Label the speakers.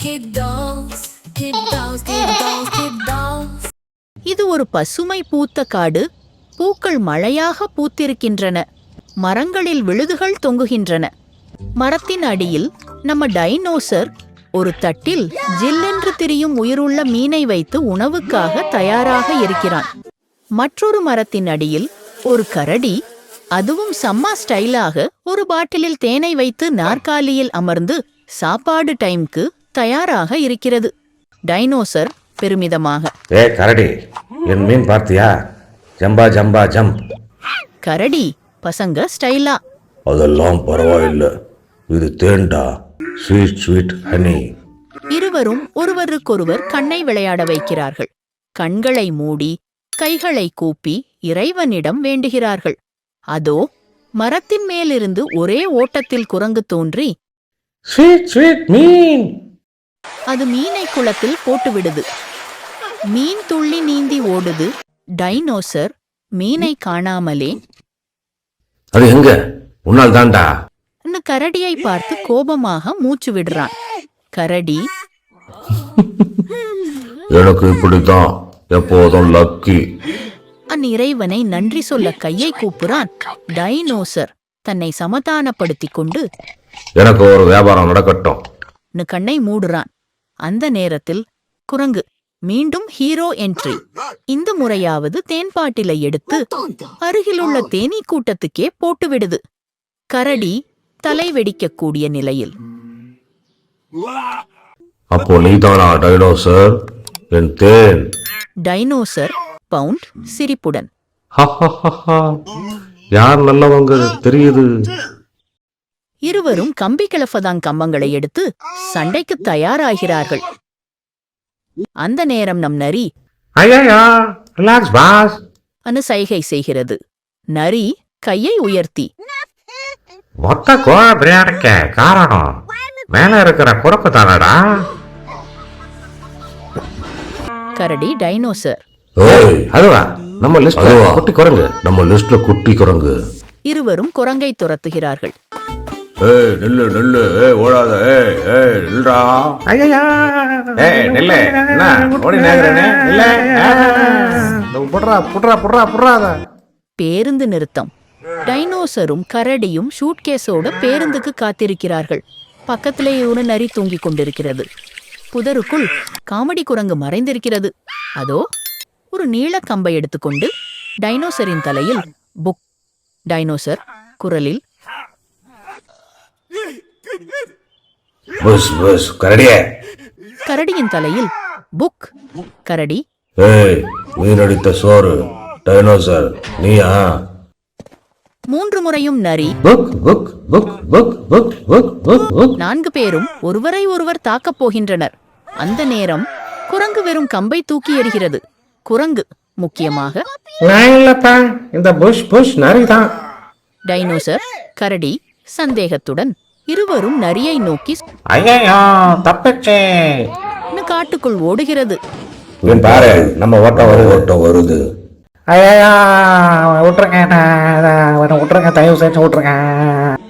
Speaker 1: இது ஒரு பசுமை பூத்த காடு. பூக்கள் மழையாக பூத்திருக்கின்றன. மரங்களில் விழுதுகள் தொங்குகின்றன. மரத்தின் அடியில் நம்ம டைனோசர் ஒரு தட்டில் ஜில்லென்று திரியும் உயிருள்ள மீனை வைத்து உணவுக்காக தயாராக இருக்கிறான். மற்றொரு மரத்தின் அடியில் ஒரு கரடி, அதுவும் செம்ம ஸ்டைலாக ஒரு பாட்டிலில் தேனை வைத்து நாற்காலியில் அமர்ந்து சாப்பாடு டைம்க்கு தயாராக இருக்கிறது. டைனோசர் பெருமிதமாக,
Speaker 2: ஏ கரடி, என் மீன் பார்த்தியா? ஜம்பா ஜம்பா ஜம்ப்.
Speaker 1: கரடி பசங்க ஸ்டைலா,
Speaker 2: அதெல்லாம் பரவாயில்லை, இது தேன்டா, ஸ்வீட் ஸ்வீட் ஹனி.
Speaker 1: இருவரும் ஒருவருக்கொருவர் கண்ணை விளையாட வைக்கிறார்கள். கண்களை மூடி கைகளை கூப்பி இறைவனிடம் வேண்டுகிறார்கள். அதோ மரத்தின் மேலிருந்து ஒரே ஓட்டத்தில் குரங்கு தோன்றி,
Speaker 2: ஸ்வீட் ஸ்வீட் மீன்.
Speaker 1: அது மீனை குளத்தில் போட்டுவிடுது. மீன் துள்ளி நீந்தி ஓடுது. டைனோசர் மீனை காணாமலே,
Speaker 2: அது எங்க? உன்னால் தாண்டா.
Speaker 1: கரடியை பார்த்து கோபமாக மூச்சு விடுறான். கரடி,
Speaker 2: எனக்கு இப்படித்தான் எப்போதும் லக்கி.
Speaker 1: அந்நிறைவனை நன்றி சொல்ல கையை கூப்புறான். டைனோசர் தன்னை சமாதானப்படுத்திக் கொண்டு,
Speaker 2: எனக்கு ஒரு வியாபாரம் நடக்கட்டும்,
Speaker 1: கண்ணை மூடுறான். அந்த நேரத்தில் குரங்கு மீண்டும் ஹீரோ என்ட்ரி. இந்த முறையாவது தேன்பாட்டிலை எடுத்து அருகிலுள்ள தேனீ கூட்டத்துக்கே போட்டுவிடுது. கரடி தலை வெடிக்கக்கூடிய நிலையில்,
Speaker 2: அப்போ நீதானா டைனோசர், என் தேன்?
Speaker 1: டைனோசர் பவுண்ட் சிரிப்புடன்,
Speaker 2: யார் நல்லவங்க தெரியுது.
Speaker 1: இருவரும் கம்பி கிளப்பதான் கம்பங்களை எடுத்து சண்டைக்கு தயாராகிறார்கள். அந்த நேரம் நம் நரி அனு சைகை செய்கிறது. நரி கையை உயர்த்தி,
Speaker 2: மொத்த கோழ பிரியாணிக்க காரணம் மேல இருக்கிற குரப்பு தானடா.
Speaker 1: கரடி டைனோசர்,
Speaker 2: அதுவா நம்ம லிஸ்ட்ல குட்டி குரங்கு, நம்ம லிஸ்ட்ல குட்டி குரங்கு.
Speaker 1: இருவரும் குரங்கை துரத்துகிறார்கள்.
Speaker 2: ஏய் நில்லு நில்லு, ஏய் ஓடாத, ஏய் ஏய் நில்றா. ஐயா ஏய் நில்லு, என்ன ஓடி நேரனே, இல்ல புட்றா புட்றா புட்றா புட்றாத.
Speaker 1: பேருந்து நிறுத்தம். டைனோசரும் கரடியும் ஷூட்கேஸோட பேருந்துக்கு காத்திருக்கிறார்கள். பக்கத்திலே ஒரு நரி தூங்கிக் கொண்டிருக்கிறது. புதருக்குள் காமெடி குரங்கு மறைந்திருக்கிறது. அதோ ஒரு நீள கம்பை எடுத்துக்கொண்டு டைனோசரின் தலையில் புக். டைனோசர் குரலில்,
Speaker 2: புஷ் புஷ் கரடியே.
Speaker 1: கரடியின் தலையில் புக். கரடி,
Speaker 2: ஏய் மீனடித்த சோறு டைனோசர் நீயா?
Speaker 1: 3 முறையும் நரி.
Speaker 2: புக் புக் புக் புக் புக் புக் புக் புக்.
Speaker 1: 4 பேரும் ஒருவரை ஒருவர் தாக்கப் போகின்றனர். அந்த நேரம் குரங்கு வெறும் கம்பை தூக்கி எறிகிறது. குரங்கு முக்கியமாக,
Speaker 2: நான் இல்லப்பா, இந்த புஷ் புஷ் நரிதான்.
Speaker 1: டைனோசர் கரடி சந்தேகத்துடன் இருவரும் நரியை நோக்கி
Speaker 2: ஐயோ தப்பிச்சே
Speaker 1: காட்டுக்குள் ஓடுகிறது.
Speaker 2: பாரு, நம்ம ஓட்டம் வருது. ஐயா விட்டுருங்க, விட்டுருங்க, தயவு செஞ்சு விட்டுருங்க.